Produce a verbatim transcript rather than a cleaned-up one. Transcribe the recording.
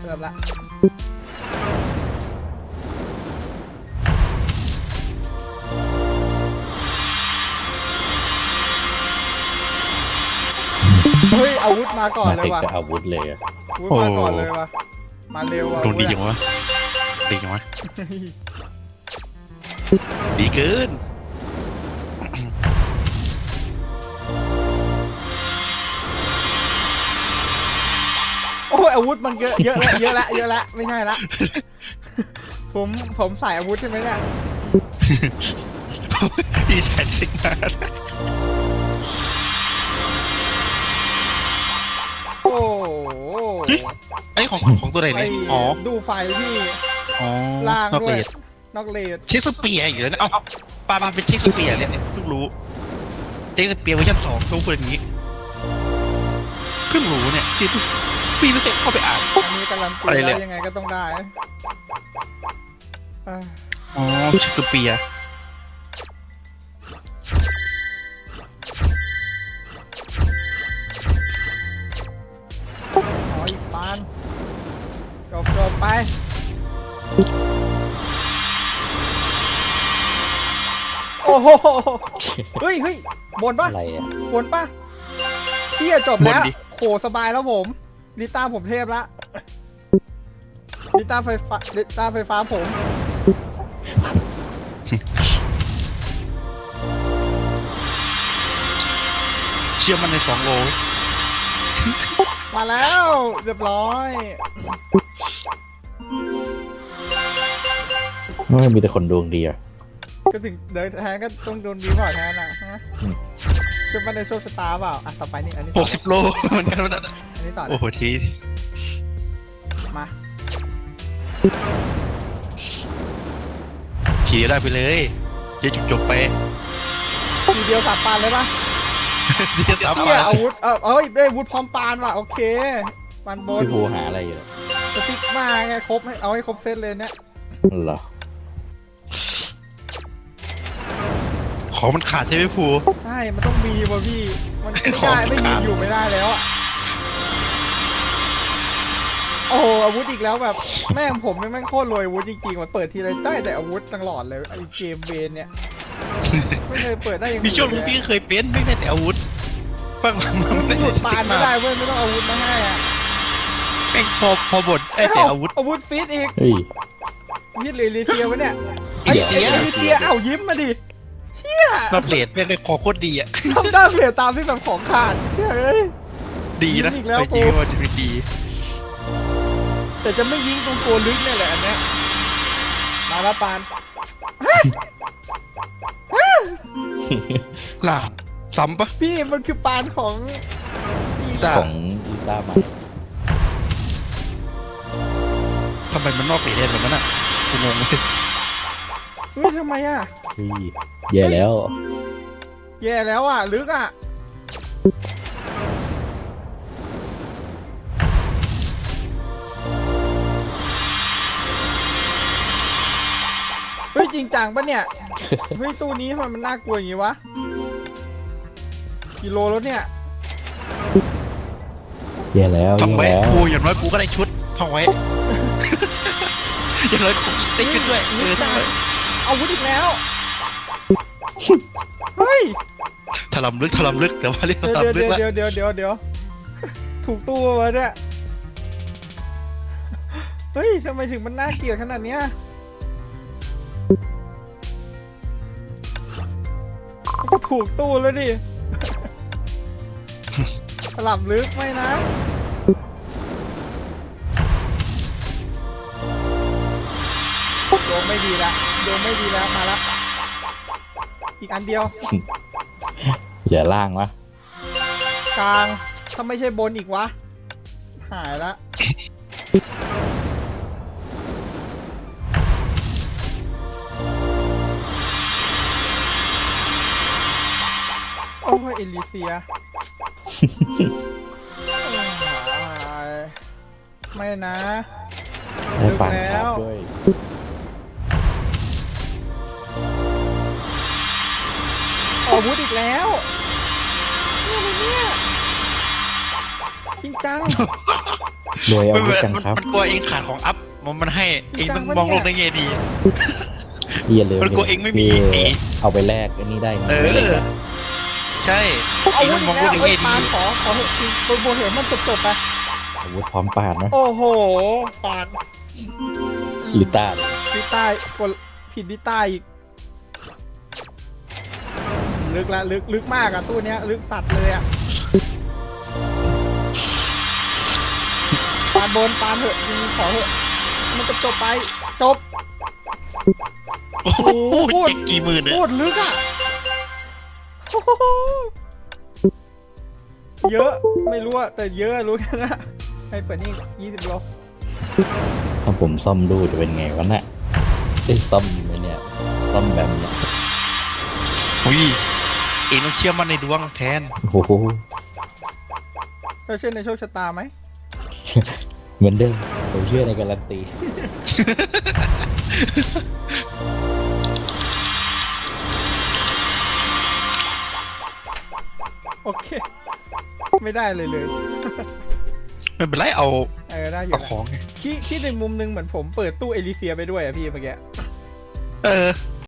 เริ่มละเฮ้ยอาวุธมาก่อนมาเลยถึงว่ะกับอาวุธเลยอะอาวุธมาก่อนเลยว่ะมาเร็วว่ะโดนดีจังวะดีจังวะดีเกินโอ้ยอาวุธมันเยอะเยอะละเยอะละเยอะละไม่ใช่ละผมผมใส่อาวุธใช่ไหมเนี่ยดีแสนสิงมาโอ้โหไอ้ของของตัวไหนไปเนี่ยอ๋อดูไฟพี่อ๋อล่างนอกด้วเลย ดนอกเลดเชคสเปียร์อีกแล้วนะเอ้าปามาเป็นเชคสเปียร์เนี่ยเพิ่งรู้เชคสเปียร์เวอร์ชันสองต้องพูดอย่างนี้เพิ่งรู้เนี่ยพี่พี่ไม่เคยเข้าไปอ่านอันนี้การันตีอะไรเนี่ได้ยยังไงก็ต้องได้อ่ะอ๋อเชคสเปียร์อ๋ออีกปานจบจบไปโอ้โหเฮ้ยเฮ้ยบนปะอะไรอะบนปะเที่ยจบแล้วโหสบายแล้วผมลิต้าผมเทพละลิต้าไฟฟ้าลิต้าไฟฟ้าผมเชื่อมันในสองโลมาแล้วเรียบร้อยไม่มีแต่คนดวงดีอะก็ถึงเดินแทนก็ต้องโดนดีกว่าแทนอ่ะฮะอืมเชื่อมันในโชคชะตาเปล่าอ่ะต่อไปนี่อันนี้หต่อกสิบโลเหมือนกันวะนะอันนี้ต่อโอ้นะโหทีมาทีเดียวได้ไปเลยจะจบจบๆไปทีเดียวสับปานเลยปะทีเดียวสามเที่ยมาอาวุธเออเอ้ยได้อาวุธพร้อมปานว่ะโอเคปานบนพี่ภูหาอะไรอยู่สติ๊กมาไงครบให้เอาให้ครบเซตเลยเนี่ยเหรอของมันขาดใช่ไหมภูใช่มันต้องมีว่ะพี่มันไม่ของได้ไม่มีขาดอยู่ไม่ได้แล้วอะโอ้โหอาวุธอีกแล้วแบบแม่งผมแม่งโคตรรวยอาวุธจริงๆมันเปิดทีไรได้แต่อาวุธตลอดเลยไอ้เกมเวนเนี่ยไม่เคยเปิดได้อย่างมีอื่นช่วงนึงเลยพี่ก็เคยเป็นไม่ได้แต่อาวุธฟังมันไม่หยุได้ดปานไม่ได้เว้ยไม่ต้องอาวุธมาให้อ่ะแม่งพอพอบทไอ้แต่อาวุธอาวุธฟิตอีกเฮ้ยยิดเลยลีเทียวะเนี่ยไอ้เสียไอ้ลีเทียเอ้ายิ้มมาดิเชี่ยนอตเลดแม่งได้คอโคตรดีอ่ะทำได้เปลี่ยนตามที่แบบของขาดเฮ้ยดีนะอีกแล้วไปจริงกูว่าจะเป็นดีแต่จะไม่ยิงตรงตัวลึกเนี่ยแหละอันเนี้ยมาละปานหล่างซ้ำปะพี่มันคือปานของจ้าของอีต้าใหม่ทำไมมันนอกเลดได้แบบนั้นอ่ะกูงงเลยเฮ้ยทำไมอ่ะเฮ้ยแย่แล้วแย่แล้วอ่ะลึกอ่ะเฮ้ยจริงจังปะเนี่ยเฮ้ยตู้นี้ทำไมมันน่ากลัวอย่างงี้วะกิโลแล้วเนี่ยแย่แล้วท่องแย่ไว้แล้วกูอย่างน้อยกูก็ได้ชุดท่องไว้ อย่างน้อยกูได้ชุดด้วยเออท่องไว้อาวุธอีกแล้ว เฮ้ยถลำลึกถลำลึกแต่ว่าเรียกถเดี๋ยวลำลึกเดี๋ยวละเดี๋ยวเดี๋ยวเดี๋ยวเดี๋ยวถูกตู้วะเนี่ย เฮ้ยทำไมถึงมันน่าเกลียดขนาดเนี้ยก็ถูกตู้แล้วดิ ถล่ำลึกไหมนะ โยงไม่ดีละโยงไม่ดีแล้วมาละอีกอันเดียวอย่าล่างวะกลางถ้าไม่ใช่บนอีกวะ หายละโอ้ยเอลิเซีย ไม่นะได้ปานลึกแล้ครัวบด้วยอาวุธอีกแล้วเนี่ยอะไรเนี่ยจริงจังรวยอามันวุธกันมันครับมันกลัวเองขาดของอัพมันมันให้เองมันมองโลกในแง่ดีอย่าลืมมันกลัวเองไม่มีพี่เอเอาไปแลกอันนี้ได้ไงเอไม่ได้อ ใช่เอาเองอาวุมัธนมอีองกโลแล้กวในเอ้แง่ยดีปานขอขอเถอะคือโบเห็นมันจบๆไปอาวุธพร้อมปาดนะโอ้โหปานหรือตาดดิใต้กดผิดดิใต้อีกลึกละลึกลึกมากอะตู้เนี้ยลึกสัตว์เลยอะปานบนปานเถอะยิงขอเถอะมันจบจบๆไปจบโอ้โหพูดเจ็ดกี่หมื่นเนี่ยโคตรลึกอะโอ้โหเยอะไม่รู้อะแต่เยอะรู้แค่นั้นอะให้เปิดนี่ยี่สิบโลถ้าผมซ่อมดูจะเป็นไงวะน่ะไอ้ยซ่อมไหมเนี่ยซ่อมแบบเนี้ยอุ้ยเองต้องเชื่อมั่นในดวงแทนโอ้โหเจ้าเชื่อในโชคชะตาไหมเหมือนเดิมผมเชื่อในการันตีโอเค ไม่ได้เลยเลยไม่เป็นไรเอาเออได้อยู่เอานะของไงคิดคิดในมุมหนึงเหมือนผมเปิดตู้เอลิเซียไปด้วยอะพี่เมื่อกี้เออ